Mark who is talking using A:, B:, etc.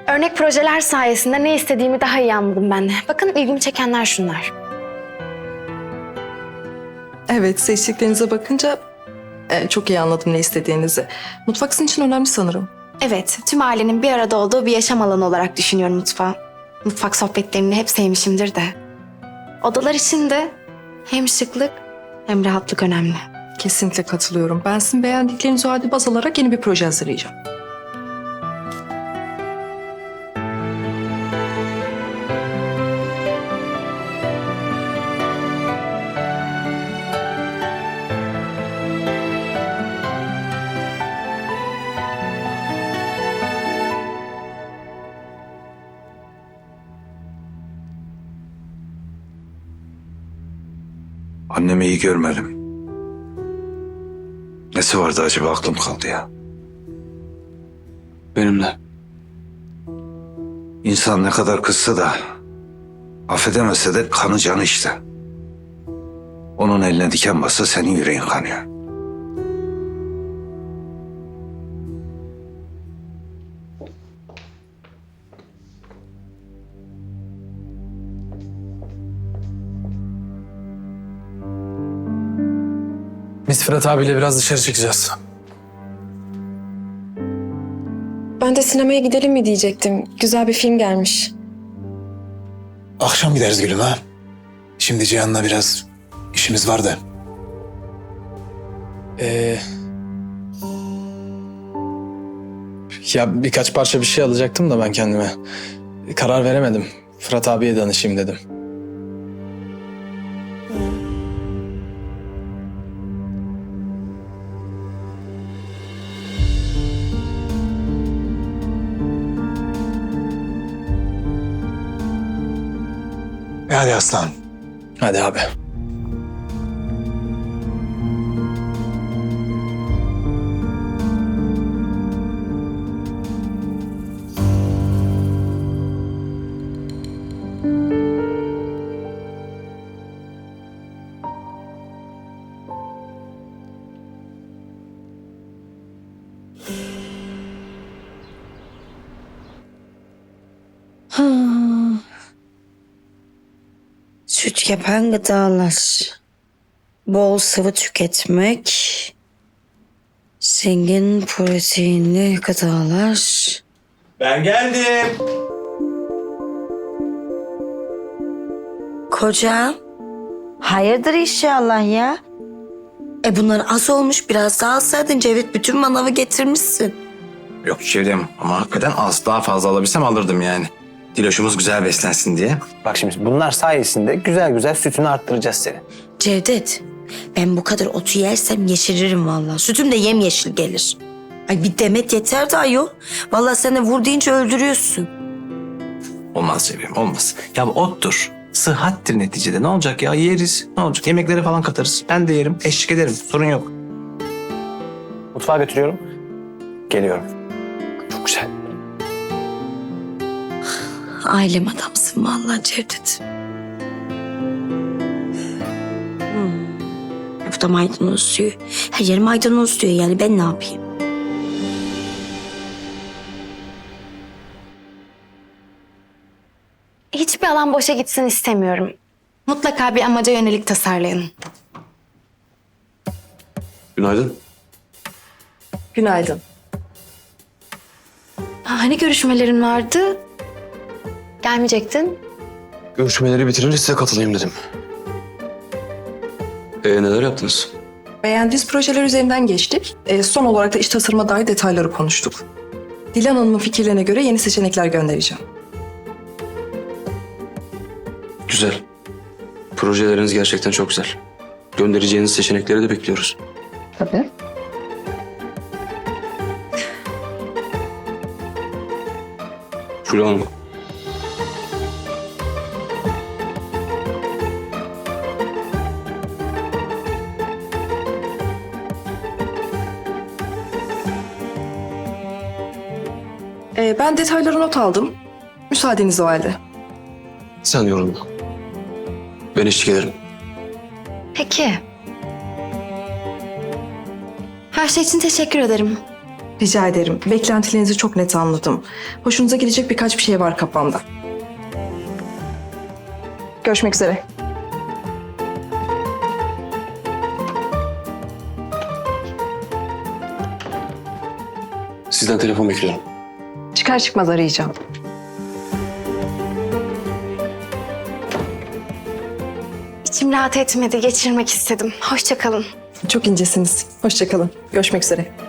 A: Örnek projeler sayesinde ne istediğimi daha iyi anladım ben de. Bakın ilgimi çekenler şunlar.
B: Evet, seçtiklerinize bakınca çok iyi anladım ne istediğinizi. Mutfak sizin için önemli sanırım.
A: Evet, tüm ailenin bir arada olduğu bir yaşam alanı olarak düşünüyorum mutfağı. Mutfak sohbetlerini hep sevmişimdir de. Odalar için de hem şıklık hem rahatlık önemli.
B: Kesinlikle katılıyorum. Ben sizin beğendiklerinizi o halde baz alarak yeni bir proje hazırlayacağım.
C: Annemi iyi görmedim. Nesi vardı acaba, aklım kaldı ya.
D: Benim de.
C: İnsan ne kadar kızsa da affedemese de kanı canı işte. Onun eline diken bassa senin yüreğin kanıyor.
D: Biz Fırat abiyle biraz dışarı çıkacağız.
E: Ben de sinemaya gidelim mi diyecektim. Güzel bir film gelmiş.
D: Akşam gideriz Gülüm ha. Şimdi Cihan'la biraz işimiz var da. Ya birkaç parça bir şey alacaktım da ben kendime. Karar veremedim. Fırat abiye danışayım dedim. Hadi aslan. Hadi abi.
F: Süt yapan gıdalar, bol sıvı tüketmek, zengin proteinli gıdalar.
G: Ben geldim.
F: Kocam, hayırdır inşallah ya? Bunlar az olmuş, biraz daha alsaydın Cevdet, bütün manavı getirmişsin.
G: Yok çevrem ama hakikaten az, daha fazla alabilsem alırdım yani. Diloşumuz güzel beslensin diye. Bak şimdi bunlar sayesinde güzel güzel sütünü arttıracağız seni.
F: Cevdet, ben bu kadar otu yersem yeşeririm vallahi. Sütüm de yemyeşil gelir. Ay bir demet yeter de ayol. Vallahi sen de vur deyince öldürüyorsun.
G: Olmaz çevrem, olmaz. Ya bu ottur. Sıhhattir neticede. Ne olacak ya? Yeriz. Ne olacak? Yemeklere falan katarız. Ben de yerim. Eşlik ederim. Sorun yok. Mutfağa götürüyorum. Geliyorum. Çok güzel.
F: Ailem adamsın vallahi Cevdet. Bu da maydanoz diyor. Her yer maydanoz diyor, yani ben ne yapayım?
A: Hiçbir alan boşa gitsin istemiyorum. Mutlaka bir amaca yönelik tasarlayın.
D: Günaydın.
B: Günaydın.
A: Hani görüşmelerin vardı? Gelmeyecektin.
D: Görüşmeleri bitirince size katılayım dedim. Neler yaptınız?
B: Beğendiğiniz projeler üzerinden geçtik. Son olarak da iş tasarıma dair detayları konuştuk. Dilan Hanım'ın fikirlerine göre yeni seçenekler göndereceğim.
H: Güzel. Projeleriniz gerçekten çok güzel. Göndereceğiniz seçenekleri de bekliyoruz.
B: Tabii.
H: Şule Hanım.
B: Ben detayları not aldım. Müsaadeniz o halde.
H: Sen yorulma. Ben eşlik ederim.
A: Peki. Her şey için teşekkür ederim.
B: Rica ederim. Beklentilerinizi çok net anladım. Hoşunuza gidecek birkaç bir şey var kafamda. Görüşmek üzere.
H: Sizden telefon bekliyorum.
B: Çıkar çıkmaz arayacağım.
A: İçim rahat etmedi, geçirmek istedim. Hoşça kalın.
B: Çok incesiniz. Hoşça kalın. Görüşmek üzere.